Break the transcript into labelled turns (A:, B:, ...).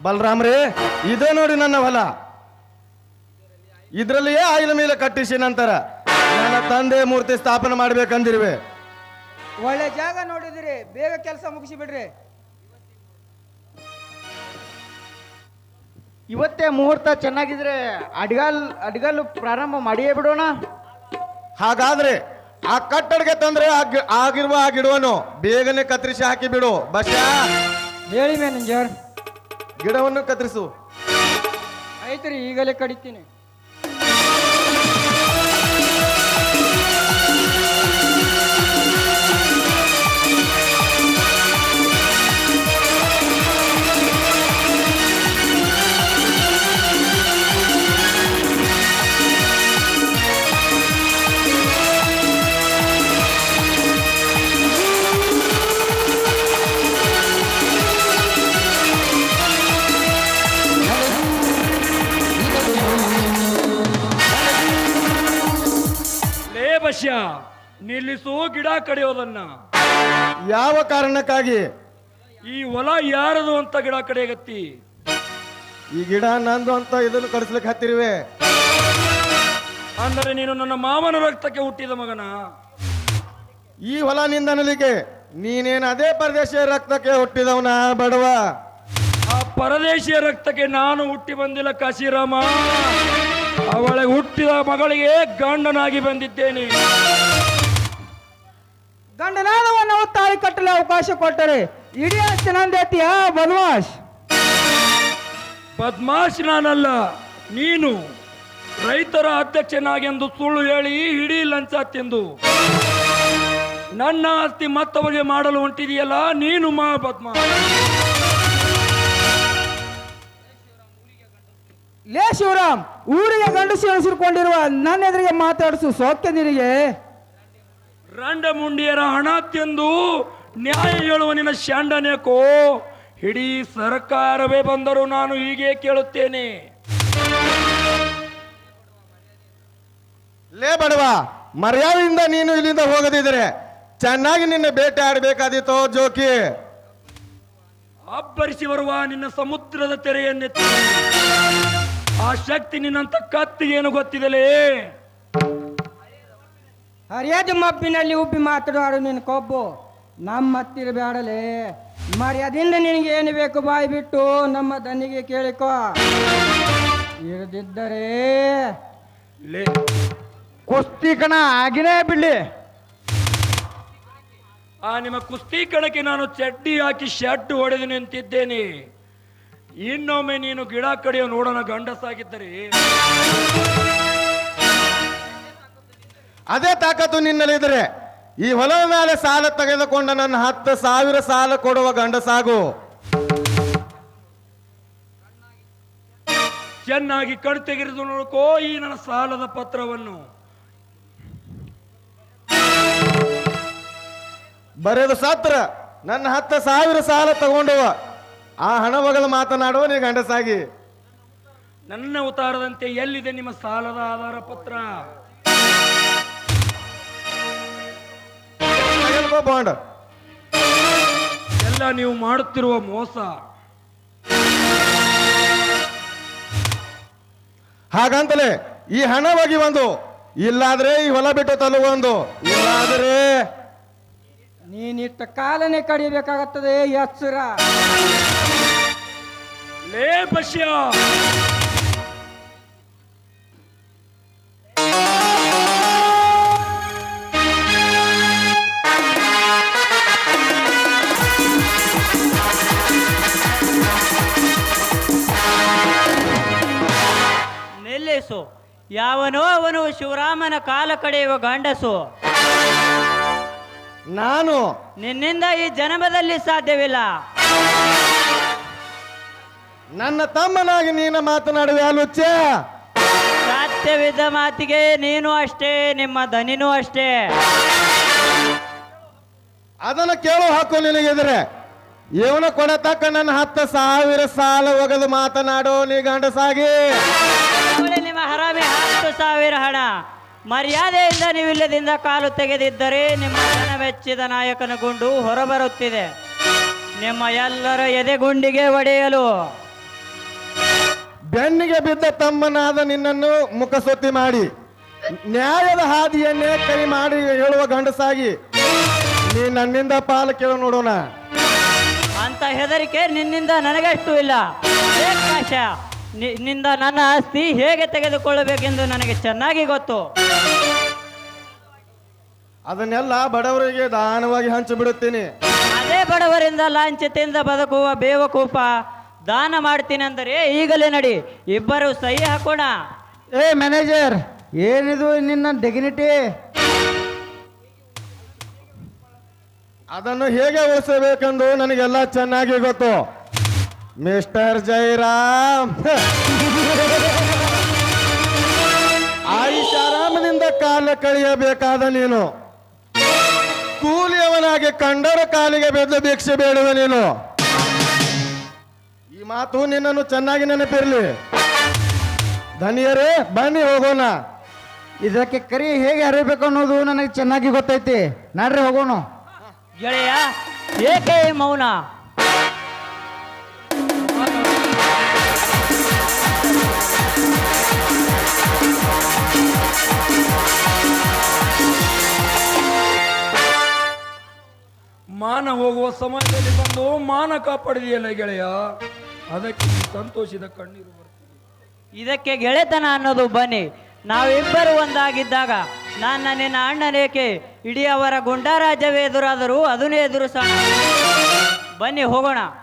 A: ಬಲರಾಮ್ರೇ, ಇದೇ ನೋಡಿ ನನ್ನ ಹೊಲ. ಇದರಲ್ಲಿಯೇ ಆಯಿಲ ಮೇಲೆ ಕಟ್ಟಿಸಿ ನಂತರ ನನ್ನ ತಂದೆ ಮೂರ್ತಿ ಸ್ಥಾಪನೆ ಮಾಡ್ಬೇಕಂದಿರುವೆ.
B: ಒಳ್ಳೆ ಜಾಗ ನೋಡಿದಿರಿ, ಬೇಗ ಕೆಲಸ ಮುಗಿಸಿ ಬಿಡ್ರಿ.
C: ಇವತ್ತೇ ಮುಹೂರ್ತ ಚೆನ್ನಾಗಿದ್ರೆ ಅಡ್ಗಲ್ಲು ಪ್ರಾರಂಭ ಮಾಡಿಯೇ ಬಿಡೋಣ.
A: ಹಾಗಾದ್ರೆ ಆ ಕಟ್ಟಡಕ್ಕೆ ತಂದ್ರೆ ಆಗಿರುವ ಆ ಗಿಡವನ್ನು ಬೇಗನೆ ಕತ್ತರಿಸಿ ಹಾಕಿ ಬಿಡು. ಬಸ್ಯ,
B: ಹೇಳಿ ಮ್ಯಾನೇಜರ್.
A: ಗಿಡವನ್ನು ಕತ್ತರಿಸು.
B: ಆಯ್ತು ರೀ, ಈಗಲೇ ಕಡಿತೀನಿ.
D: ಬಸ್ಯ, ನಿಲ್ಲಿಸು ಗಿಡ ಕಡಿಯೋದನ್ನ.
A: ಯಾವ ಕಾರಣಕ್ಕಾಗಿ?
D: ಈ ಹೊಲ ಯಾರದು ಅಂತ ಗಿಡ ಕಡಿಯಗತ್ತಿ?
A: ಈ ಗಿಡ ನಂದು ಅಂತ ಇದನ್ನು ಕಡಿಸ್ಲಿಕ್ಕೆ ಹತ್ತಿರುವೆ.
D: ಅಂದರೆ ನೀನು ನನ್ನ ಮಾಮನ ರಕ್ತಕ್ಕೆ ಹುಟ್ಟಿದ ಮಗನ?
A: ಈ ಹೊಲ ನಿಂದನಲಿಕ್ಕೆ ನೀನೇನು ಅದೇ ಪರದೇಶಿಯ ರಕ್ತಕ್ಕೆ ಹುಟ್ಟಿದವನ ಬಡವ?
D: ಆ ಪರದೇಶಿಯ ರಕ್ತಕ್ಕೆ ನಾನು ಹುಟ್ಟಿ ಬಂದಿಲ್ಲ ಕಾಶಿರಾಮ. ಅವಳಿಗೆ ಹುಟ್ಟಿದ ಮಗಳಿಗೆ ಗಂಡನಾಗಿ ಬಂದಿದ್ದೇನೆ.
B: ಗಂಡನಾದವನ್ನು ತಾಳಿ ಕಟ್ಟಲು ಅವಕಾಶ ಕೊಟ್ಟರೆ ಇಡೀ ಆಸ್ತಿ ನಂದೇತಿಯ ಬದ್ಮಾಶ್?
D: ಬದ್ಮಾಶ್ ನಾನಲ್ಲ, ನೀನು. ರೈತರ ಅಧ್ಯಕ್ಷನಾಗೆಂದು ಸುಳ್ಳು ಹೇಳಿ ಇಡೀ ಲಂಚ ತಿಂದು ನನ್ನ ಆಸ್ತಿ ಮತ್ತವರಿಗೆ ಮಾಡಲು ಹೊಂಟಿದೆಯಲ್ಲ, ನೀನು ಮಾ ಬದ್ಮಾಶ್.
B: ಲೇ ಶಿವರಾಮ್, ಊರಿಗೆ ಗಂಡಸು ಎಣಿಸಿಕೊಂಡಿರುವ ನನ್ನ ಎದುರಿಗೆ ಮಾತಾಡಿಸು ಸೋಕ್ಯ ನಿನಗೆ?
D: ರಂಡ ಮುಂಡಿಯರ ಹಣ ತಿಂದು ನ್ಯಾಯ ಹೇಳುವ ನಿನ್ನ ಶಾಂಡನೇಕೋ? ಇಡೀ ಸರ್ಕಾರವೇ ಬಂದರೂ ನಾನು ಹೀಗೆ ಕೇಳುತ್ತೇನೆ.
A: ಲೇ ಬಡವ, ಮರ್ಯಾದೆಯಿಂದ ನೀನು ಇಲ್ಲಿಂದ ಹೋಗದಿದ್ರೆ ಚೆನ್ನಾಗಿ ನಿನ್ನೆ ಬೇಟೆ ಆಡಬೇಕಾದಿತ್ತೋ ಜೋಕಿ.
D: ಅಬ್ಬರಿಸಿ ಬರುವ ನಿನ್ನ ಸಮುದ್ರದ ತೆರೆಯನ್ನೆತ್ತಿ ಆ ಶಕ್ತಿ ನಿನ್ನಂತ ಕತ್ತಿಗೇನು ಗೊತ್ತಿದಲೇ?
B: ಹರಿಯಾದ ಮಬ್ಬಿನಲ್ಲಿ ಉಬ್ಬಿ ಮಾತನಾಡು ನಿನ್ನ ಕೊಬ್ಬು. ನಮ್ಮ ಹತ್ತಿರ ಬೇಡಲೇ. ಮರ್ಯಾದಿಂದ ನಿನಗೆ ಏನು ಬೇಕು ಬಾಯಿ ಬಿಟ್ಟು ನಮ್ಮ ದನಿಗೆ ಕೇಳಿಕೋ. ಇರದಿದ್ದರೆ
D: ಲೇ
C: ಕುಸ್ತಿ ಕಣ ಆಗಿನೇ ಬಿಡ್ಲಿ.
D: ಆ ನಿಮ್ಮ ಕುಸ್ತಿ ಕಣಕ್ಕೆ ನಾನು ಚಡ್ಡಿ ಹಾಕಿ ಶರ್ಟ್ ಹೊಡೆದು ನಿಂತಿದ್ದೇನೆ. ಇನ್ನೊಮ್ಮೆ ನೀನು ಗಿಡ ಕಡಿಯೋ ನೋಡೋಣ ಗಂಡಸಾಗಿದ್ದರೆ.
A: ಅದೇ ತಾಕತ್ತು ನಿನ್ನಲ್ಲಿದ್ರೆ ಈ ಹೊಲದ ಮೇಲೆ ಸಾಲ ತೆಗೆದುಕೊಂಡ ನನ್ನ 10,000 ಸಾಲ ಕೊಡುವ ಗಂಡಸಾಗು.
D: ಚೆನ್ನಾಗಿ ಕಣ್ ತೆಗೆದು ನೋಡ್ಕೋ ಈ ನನ್ನ ಸಾಲದ ಪತ್ರವನ್ನು.
A: ಬರೆದು ಸತ್ರ ನನ್ನ 10,000 ಸಾಲ ತಗೊಂಡುವ ಆ ಹಣ ಬಗಲು ಮಾತನಾಡುವ ನೀ ಗಂಡಸಾಗಿ.
D: ನನ್ನ ಉತ್ತಾರದಂತೆ ಎಲ್ಲಿದೆ ನಿಮ್ಮ ಸಾಲದ ಆಧಾರ ಪತ್ರ?
A: ಬಾಂಡ್
D: ಎಲ್ಲ ನೀವು ಮಾಡುತ್ತಿರುವ ಮೋಸ.
A: ಹಾಗಂತಲೇ ಈ ಹಣ ಹೋಗಿ ಒಂದು, ಇಲ್ಲಾದ್ರೆ ಈ ಹೊಲ ಬಿಟ್ಟು ತಲುವೊಂದು, ಇಲ್ಲಾದ್ರೆ
B: ನೀನಿಟ್ಟ ಕಾಲನೇ ಕಡಿಬೇಕಾಗುತ್ತದೆ ಎಚ್ಚರ.
D: ಲೇ ಬಶ್ಯ,
E: ನಿಲ್ಲಿಸು. ಯಾವನೋ ಅವನು ಶಿವರಾಮನ ಕಾಲ ಕಡೆಯುವ ಗಂಡಸು.
A: ನಾನು
E: ನಿನ್ನಿಂದ ಈ ಜನ್ಮದಲ್ಲಿ ಸಾಧ್ಯವಿಲ್ಲ.
A: ನನ್ನ ತಮ್ಮನಾಗಿ ನೀನ ಮಾತನಾಡುವೆ ಅಲುಚ್ಚ.
E: ಸಾಧ್ಯವಿದ್ದ ಮಾತಿಗೆ ನೀನು ಅಷ್ಟೇ, ನಿಮ್ಮ ದನಿನೂ ಅಷ್ಟೇ.
A: ಅದನ್ನು ಕೇಳೋ ಹಾಕು ನಿನಗಿದ್ರೆ. ಇವನು ಕೊಡತಕ್ಕ ನನ್ನ 10,000 ಸಾಲ ಒಗದು ಮಾತನಾಡೋ ನೀ ಗಂಡಸಾಗಿ.
E: ನಿಮ್ಮ ಹರಾಮಿ 10,000 ಹಣ. ಮರ್ಯಾದೆಯಿಂದ ನೀವಿಲ್ಲದಿಂದ ಕಾಲು ತೆಗೆದಿದ್ದರೆ ನಿಮ್ಮ ಜನ ಮೆಚ್ಚಿದ ನಾಯಕನ ಗುಂಡು ಹೊರಬರುತ್ತಿದೆ. ನಿಮ್ಮ ಎಲ್ಲರ ಎದೆಗುಂಡಿಗೆ ಒಡೆಯಲು
A: ಬೆನ್ನಿಗೆ ಬಿದ್ದ ತಮ್ಮನಾದ ನಿನ್ನನ್ನು ಮುಖಸುತ್ತಿ ಮಾಡಿ ನ್ಯಾಯದ ಹಾದಿಯನ್ನೇ ಕೈ ಮಾಡಿ ಹೇಳುವ ಗಂಡಸಾಗಿ ನೀ ನನ್ನಿಂದ ಪಾಲು ಕೇಳು ನೋಡೋಣ.
E: ಅಂತ ಹೆದರಿಕೆ ನಿನ್ನಿಂದ ನನಗಷ್ಟು ಇಲ್ಲ. ಕಾಶ, ನಿನ್ನಿಂದ ನನ್ನ ಆಸ್ತಿ ಹೇಗೆ ತೆಗೆದುಕೊಳ್ಳಬೇಕೆಂದು ನನಗೆ ಚೆನ್ನಾಗಿ ಗೊತ್ತು.
A: ಅದನ್ನೆಲ್ಲ ಬಡವರಿಗೆ ದಾನವಾಗಿ ಹಂಚಿಬಿಡುತ್ತೀನಿ.
E: ಅದೇ ಬಡವರಿಂದ ಲಾಂಛತೆಯಿಂದ ಬದುಕುವ ಬೇವಕೂಪ ದಾನ ಮಾಡ್ತೀನಿ ಅಂದರೆ ಈಗಲೇ ನಡಿ, ಇಬ್ಬರು ಸಹಿ ಹಾಕೋಣ.
C: ಏ ಮ್ಯಾನೇಜರ್, ಏನಿದು ನಿನ್ನ ಡಿಗ್ನಿಟಿ?
A: ಅದನ್ನು ಹೇಗೆ ಉಳಿಸಬೇಕೆಂದು ನನಗೆಲ್ಲ ಚೆನ್ನಾಗಿ ಗೊತ್ತು ಮಿಸ್ಟರ್ ಜೈರಾಮ್. ಆರಾಮದಿಂದ ಕಾಲ ಕಳೆಯಬೇಕಾದ ನೀನು ಕೂಲಿಯವನಾಗಿ ಕಂಡರ ಕಾಲಿಗೆ ಬೆದ್ದು ಭಿಕ್ಷೆ ಬೇಡುವ ನೀನು. ಈ ಮಾತು ನಿನ್ನನ್ನು ಚೆನ್ನಾಗಿ ನೆನಪಿರಲಿ. ಧನಿಯರೇ, ಬನ್ನಿ ಹೋಗೋಣ.
C: ಇದಕ್ಕೆ ಕರಿ ಹೇಗೆ ಹರಿಬೇಕು ಅನ್ನೋದು ನನಗೆ ಚೆನ್ನಾಗಿ ಗೊತ್ತೈತಿ. ನಡ್ರಿ ಹೋಗೋಣ.
E: ಗೆಳೆಯ, ಏಕೆ ಈ ಮೌನ?
D: ಮಾನ ಹೋಗುವ ಸಮಯದಲ್ಲಿ ಬಂದು ಮಾನ ಕಾಪಾಡಿದೆಯಲ್ಲ ಗೆಳೆಯ, ಅದಕ್ಕೆ ಸಂತೋಷದ ಕಣ್ಣೀರು ಬರ್ತಿದೆ.
E: ಇದಕ್ಕೆ ಗೆಳೆತನ ಅನ್ನೋದು ಬನ್ನಿ. ನಾವಿಬ್ಬರು ಒಂದಾಗಿದ್ದಾಗ ನನ್ನ ನಿನ್ನ ಅಣ್ಣನೇಕೆ ಇಡೀ ಅವರ ಗುಂಡಾರಾಜ್ಯವೇ ಎದುರಾದರೂ ಅದನ್ನೇ ಎದುರಿಸೋಣ. ಬನ್ನಿ ಹೋಗೋಣ.